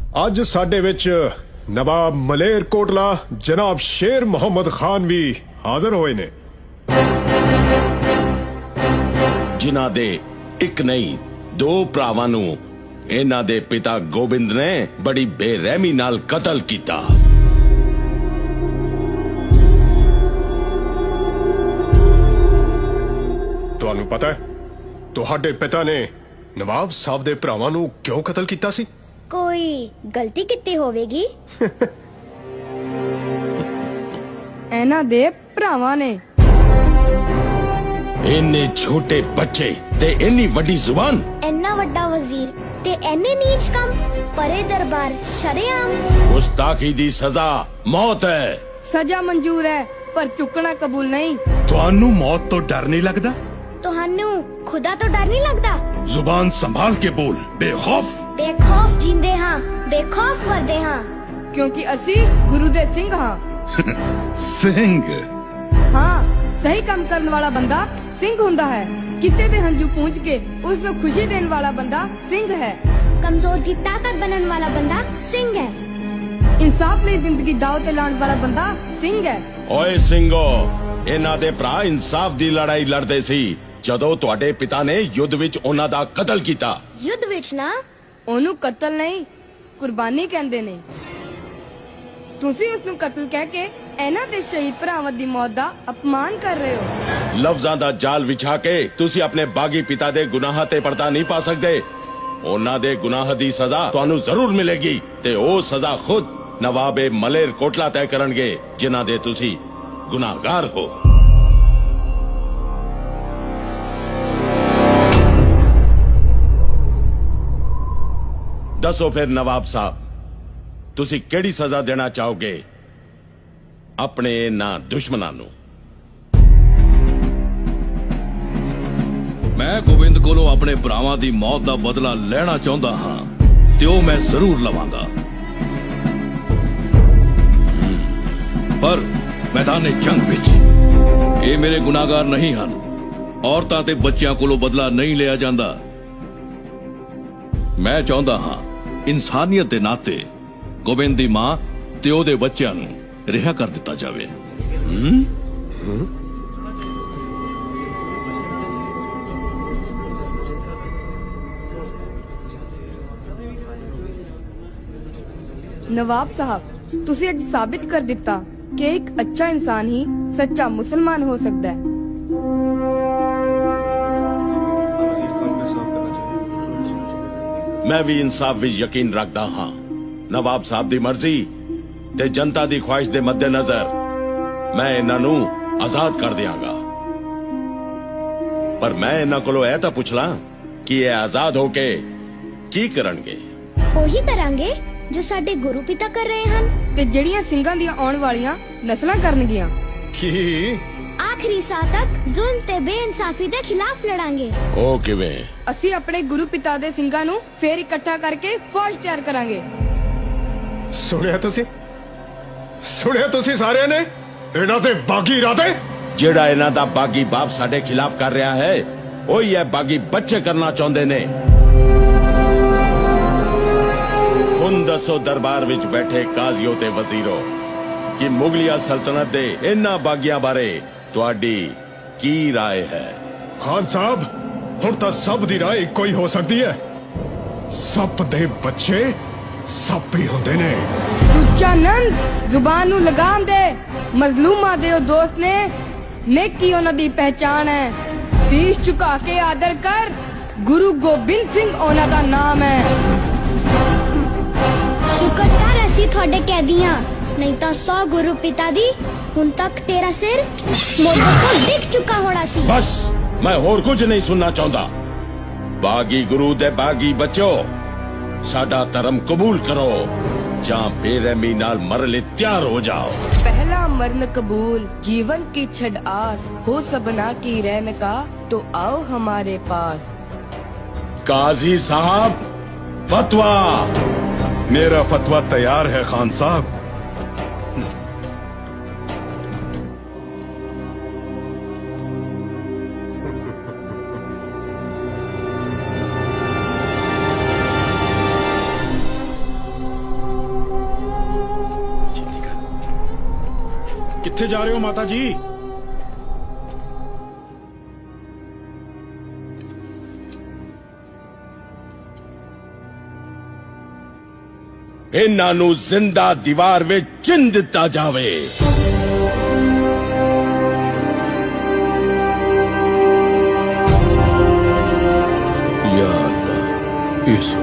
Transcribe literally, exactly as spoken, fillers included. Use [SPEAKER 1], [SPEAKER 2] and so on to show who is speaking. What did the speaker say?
[SPEAKER 1] ਅੱਜ ਸਾਡੇ ਵਿੱਚ ਨਵਾਬ ਮਲੇਰ ਕੋਟਲਾ ਜਨਾਬ ਸ਼ੇਰ ਮੁਹੰਮਦ ਖਾਨ ਵੀ ਹਾਜ਼ਰ ਹੋਏ ਨੇ,
[SPEAKER 2] ਜਿਨ੍ਹਾਂ ਦੇ ਇੱਕ ਨਹੀਂ ਦੋ ਭਰਾਵਾਂ ਨੂੰ ਇਹਨਾਂ ਦੇ ਪਿਤਾ ਗੋਬਿੰਦ ਨੇ ਬੜੀ ਬੇਰਹਿਮੀ ਨਾਲ ਕਤਲ ਕੀਤਾ।
[SPEAKER 1] ਤੁਹਾਨੂੰ ਪਤਾ ਹੈ ਤੁਹਾਡੇ ਪਿਤਾ ਨੇ ਨਵਾਬ ਸਾਹਿਬ ਦੇ ਭਰਾਵਾਂ ਨੂੰ ਕਿਉਂ ਕਤਲ ਕੀਤਾ ਸੀ?
[SPEAKER 3] ਕੋਈ ਗਲਤੀ ਕੀਤੀ ਹੋਵੇਗੀ।
[SPEAKER 4] ਇਹਨਾਂ ਦੇ ਭਰਾਵਾਂ ਨੇ।
[SPEAKER 2] ਇੰਨੇ ਛੋਟੇ ਬੱਚੇ ਤੇ ਇੰਨੀ ਵੱਡੀ ਜ਼ੁਬਾਨ,
[SPEAKER 3] ਇੰਨਾ ਵੱਡਾ ਵਜ਼ੀਰ ਤੇ ਇੰਨੇ ਨੀਚ ਕੰਮ, ਪਰੇ ਦਰਬਾਰ ਸ਼ਰੇਆਮ।
[SPEAKER 2] ਗੁਸਤਾਖੀ ਦੀ ਸਜ਼ਾ ਮੌਤ ਹੈ।
[SPEAKER 4] ਸਜ਼ਾ ਮਨਜ਼ੂਰ ਹੈ ਪਰ ਚੁੱਕਣਾ ਕਬੂਲ ਨਹੀਂ।
[SPEAKER 5] ਤੁਹਾਨੂੰ ਮੌਤ ਤੋਂ ਡਰ ਨਹੀਂ ਲੱਗਦਾ?
[SPEAKER 3] ਤੁਹਾਨੂੰ ਖੁਦਾ ਤੋਂ ਡਰ ਨਹੀਂ ਲੱਗਦਾ?
[SPEAKER 5] ਜ਼ੁਬਾਨ ਸੰਭਾਲ ਕੇ ਬੋਲ, ਬੇਖੌਫ।
[SPEAKER 3] ਬੇਖੌਫ ਜਿੰਦੇ ਹਾਂ, ਬੇਖੌਫ ਮਰਦੇ ਹਾਂ,
[SPEAKER 4] ਕਿਉਂਕਿ ਅਸੀਂ ਗੁਰੂ ਦੇ ਸਿੰਘ ਹਾਂ।
[SPEAKER 5] ਸਿੰਘ?
[SPEAKER 4] ਹਾਂ, ਸਹੀ ਕੰਮ ਕਰਨ ਵਾਲਾ ਬੰਦਾ ਸਿੰਘ ਹੁੰਦਾ ਹੈ। ਕਿਸੇ ਦੇ ਹੰਝੂ ਪੂੰਝ ਕੇ ਉਸ ਨੂੰ ਖੁਸ਼ੀ ਦੇਣ ਵਾਲਾ ਬੰਦਾ ਸਿੰਘ ਹੈ।
[SPEAKER 3] ਕਮਜ਼ੋਰ ਦੀ ਤਾਕਤ ਬਣਨ ਵਾਲਾ ਬੰਦਾ ਸਿੰਘ ਹੈ।
[SPEAKER 4] ਇਨਸਾਫ ਲਈ ਜ਼ਿੰਦਗੀ ਦਾਅ ਤੇ ਲਾਉਣ ਵਾਲਾ ਬੰਦਾ ਸਿੰਘ ਹੈ।
[SPEAKER 2] ਓਏ ਸਿੰਘੋ, ਇਹਨਾਂ ਦੇ ਭਰਾ ਇਨਸਾਫ ਦੀ ਲੜਾਈ ਲੜਦੇ ਸੀ ਜਦੋਂ ਤੁਹਾਡੇ ਪਿਤਾ ਨੇ ਯੁੱਧ ਵਿੱਚ ਉਹਨਾਂ ਦਾ ਕਤਲ ਕੀਤਾ।
[SPEAKER 3] ਯੁੱਧ ਵਿੱਚ ਨਾ,
[SPEAKER 4] ਉਹਨੂੰ ਕਤਲ ਨਹੀਂ ਕੁਰਬਾਨੀ ਕਹਿੰਦੇ ਨੇ। ਤੁਸੀਂ ਉਸ ਨੂੰ ਕਤਲ ਕਹਿ ਕੇ ਇਹਨਾਂ ਦੇ ਸ਼ਹੀਦ ਭਰਾਵਾਂ ਦੀ ਮੌਤ ਦਾ ਅਪਮਾਨ ਕਰ ਰਹੇ ਹੋ।
[SPEAKER 2] ਲਫ਼ਜ਼ਾਂ ਦਾ ਜਾਲ ਵਿਛਾ ਕੇ ਤੁਸੀਂ ਆਪਣੇ ਬਾਗੀ ਪਿਤਾ ਦੇ ਗੁਨਾਹਾਂ ਤੇ ਪਰਦਾ ਨਹੀਂ ਪਾ ਸਕਦੇ। ਉਹਨਾਂ ਦੇ ਗੁਨਾਹ ਦੀ ਸਜ਼ਾ ਤੁਹਾਨੂੰ ਜ਼ਰੂਰ ਮਿਲੇਗੀ ਤੇ ਉਹ ਸਜ਼ਾ ਖੁਦ ਨਵਾਬੇ ਮਲੇਰ ਕੋਟਲਾ ਤੈਅ ਕਰਨਗੇ, ਜਿਨ੍ਹਾਂ ਦੇ ਤੁਸੀਂ ਗੁਨਾਹਗਾਰ ਹੋ। ਦੱਸੋ ਫਿਰ ਨਵਾਬ ਸਾਹਿਬ, ਤੁਸੀਂ ਕਿਹੜੀ ਸਜ਼ਾ ਦੇਣਾ ਚਾਹੋਗੇ ਆਪਣੇ ਇਹਨਾਂ ਦੁਸ਼ਮਣਾਂ ਨੂੰ?
[SPEAKER 6] ਮੈਂ ਗੋਬਿੰਦ ਕੋਲੋਂ ਆਪਣੇ ਭਰਾਵਾਂ ਦੀ ਮੌਤ ਦਾ ਬਦਲਾ ਲੈਣਾ ਚਾਹੁੰਦਾ ਹਾਂ ਤੇ ਉਹ ਮੈਂ ਜ਼ਰੂਰ ਲਵਾਂਗਾ, ਪਰ ਮੈਦਾਨੇ ਜੰਗ ਵਿੱਚ ਇਹ ਮੇਰੇ ਗੁਨਾਹਗਾਰ ਨਹੀਂ ਹਨ। ਔਰਤਾਂ ਤੇ ਬੱਚਿਆਂ ਕੋਲੋਂ ਬਦਲਾ ਨਹੀਂ ਲਿਆ ਜਾਂਦਾ। ਮੈਂ ਚਾਹੁੰਦਾ ਹਾਂ ਇਨਸਾਨੀਅਤ ਦੇ ਨਾਤੇ ਗੋਬਿੰਦ ਦੀ ਮਾਂ ਤੇ ਉਹਦੇ ਬੱਚਿਆਂ ਨੂੰ ਰਿਹਾ ਕਰ ਦਿੱਤਾ ਜਾਵੇ। ਹੂੰ ਹੂੰ
[SPEAKER 4] ਨਵਾਬ ਸਾਹਿਬ, ਤੁਸੀਂ ਅੱਜ ਸਾਬਿਤ ਕਰ ਦਿੱਤਾ ਕਿ ਇੱਕ ਅੱਛਾ ਇਨਸਾਨ ਹੀ ਸੱਚਾ ਮੁਸਲਮਾਨ ਹੋ ਸਕਦਾ ਹੈ।
[SPEAKER 2] ਮੈਂ ਵੀ ਇਨਸਾਫ ਵਿੱਚ ਯਕੀਨ ਰੱਖਦਾ ਹਾਂ। ਨਵਾਬ ਸਾਹਿਬ ਦੀ ਮਰਜ਼ੀ ਤੇ ਜਨਤਾ ਦੀ ਖੁਆਇਸ਼ ਦੇ ਮੱਦੇਨਜ਼ਰ ਮੈਂ ਇਹਨਾਂ ਨੂੰ ਆਜ਼ਾਦ ਕਰ ਦਿਆਂਗਾ, ਪਰ ਮੈਂ ਇਹਨਾਂ ਕੋਲੋਂ ਇਹ ਤਾਂ ਪੁੱਛ ਲਾਂ ਕਿ ਇਹ ਆਜ਼ਾਦ ਹੋ ਕੇ ਕੀ ਕਰਨਗੇ?
[SPEAKER 3] ਉਹੀ ਕਰਾਂਗੇ ਜੋ ਸਾਡੇ ਗੁਰੂ ਪਿਤਾ ਕਰ ਰਹੇ ਹਨ
[SPEAKER 4] ਤੇ ਜਿਹੜੀਆਂ ਸਿੰਘਾਂ ਦੀਆਂ ਆਉਣ ਵਾਲੀਆਂ ਨਸਲਾਂ ਕਰਨਗੀਆਂ।
[SPEAKER 1] ਕੀ?
[SPEAKER 3] ਆਖਰੀ ਸਾਹ ਤੱਕ ਜ਼ੁਲਮ ਤੇ ਬੇਇਨਸਾਫੀ ਦੇ ਖਿਲਾਫ ਲੜਾਂਗੇ।
[SPEAKER 2] ਉਹ ਕਿਵੇਂ?
[SPEAKER 4] ਅਸੀਂ ਆਪਣੇ ਗੁਰੂ ਪਿਤਾ ਦੇ ਸਿੰਘਾਂ ਨੂੰ ਫੇਰ ਇਕੱਠਾ ਕਰਕੇ ਫੌਜ ਤਿਆਰ ਕਰਾਂਗੇ।
[SPEAKER 1] ਸੁਣਿਆ ਤੁਸੀਂ? ਸੁਣਿਆ ਤੁਸੀਂ ਸਾਰਿਆਂ ਨੇ? ਇਹਨਾਂ ਦੇ ਬਾਗੀ ਇਰਾਦੇ।
[SPEAKER 2] ਜਿਹੜਾ ਇਹਨਾਂ ਦਾ ਬਾਗੀ ਬਾਪ ਸਾਡੇ ਖਿਲਾਫ ਕਰ ਰਿਹਾ ਹੈ, ਉਹੀ ਇਹ ਬਾਗੀ ਬੱਚੇ ਕਰਨਾ ਚਾਹੁੰਦੇ ਨੇ। ਹੁਣ ਦੱਸੋ ਦਰਬਾਰ ਵਿੱਚ ਬੈਠੇ ਕਾਜ਼ੀਓ ਤੇ ਵਜ਼ੀਰੋ ਕਿ ਮੁਗਲਿਆ ਸਲਤਨਤ ਦੇ ਇਹਨਾਂ ਬਾਗੀਆਂ ਬਾਰੇ ਤੁਹਾਡੀ ਕੀ ਰਾਏ ਹੈ?
[SPEAKER 1] ਖਾਨ ਸਾਹਿਬ, ਹੁਣ ਤਾਂ ਸਭ ਦੀ ਰਾਏ ਇੱਕੋ ਹੀ ਹੋ ਸਕਦੀ ਹੈ। ਸੱਪ ਦੇ ਬੱਚੇ ਸੱਪ ਹੀ ਹੁੰਦੇ ਨੇ।
[SPEAKER 4] ਸੁੱਚਾ ਨੰਦ, ਜ਼ੁਬਾਨ ਨੂੰ ਲਗਾਮ ਦੇ। ਮਜ਼ਲੂਮਾਂ ਦੇ ਉਹ ਦੋਸਤ ਨੇ, ਨੇਕੀ ਉਹਨਾਂ ਦੀ ਪਹਿਚਾਨ ਹੈ। ਸੀਸ ਝੁਕਾ ਕੇ ਆਦਰ ਕਰ, ਗੁਰੂ ਗੋਬਿੰਦ ਸਿੰਘ ਉਹਨਾਂ ਦਾ ਨਾਮ ਹੈ।
[SPEAKER 3] ਸ਼ੁਕਰ ਕਰ ਅਸੀਂ ਤੁਹਾਡੇ ਕੈਦੀਆਂ, ਨਹੀਂ ਤਾਂ ਸੌ ਗੁਰੂ ਪਿਤਾ ਦੀ ਹੁਣ ਤੱਕ ਤੇਰਾ ਸਿਰ ਮੋਢੇ ਤੋਂ ਡਿੱਗ ਚੁੱਕਾ ਹੋਣਾ ਸੀ।
[SPEAKER 2] ਬਸ, ਮੈਂ ਹੋਰ ਕੁਝ ਨਹੀਂ ਸੁਣਨਾ ਚਾਹੁੰਦਾ। ਬਾਗੀ ਗੁਰੂ ਦੇ ਬਾਗੀ ਬੱਚੋ, ਸਾਡਾ ਧਰਮ ਕਬੂਲ ਕਰੋ ਜਾਂ ਬੇਰਹਿਮੀ ਨਾਲ ਮਰਨ ਲਈ ਤਿਆਰ ਹੋ ਜਾਓ।
[SPEAKER 4] पहला मरण कबूल, जीवन की छड़ आस, हो सबना की रहन का, तो आओ हमारे पास।
[SPEAKER 2] काजी साहब, फतवा।
[SPEAKER 5] मेरा फतवा तैयार है खान साहब।
[SPEAKER 1] ਕਿੱਥੇ ਜਾ ਰਹੇ ਹੋ ਮਾਤਾ ਜੀ?
[SPEAKER 2] ਇਹਨਾਂ ਨੂੰ ਜ਼ਿੰਦਾ ਦੀਵਾਰ ਵਿੱਚ ਚਿਣ ਦਿੱਤਾ ਜਾਵੇ।
[SPEAKER 6] या अल्लाह, इस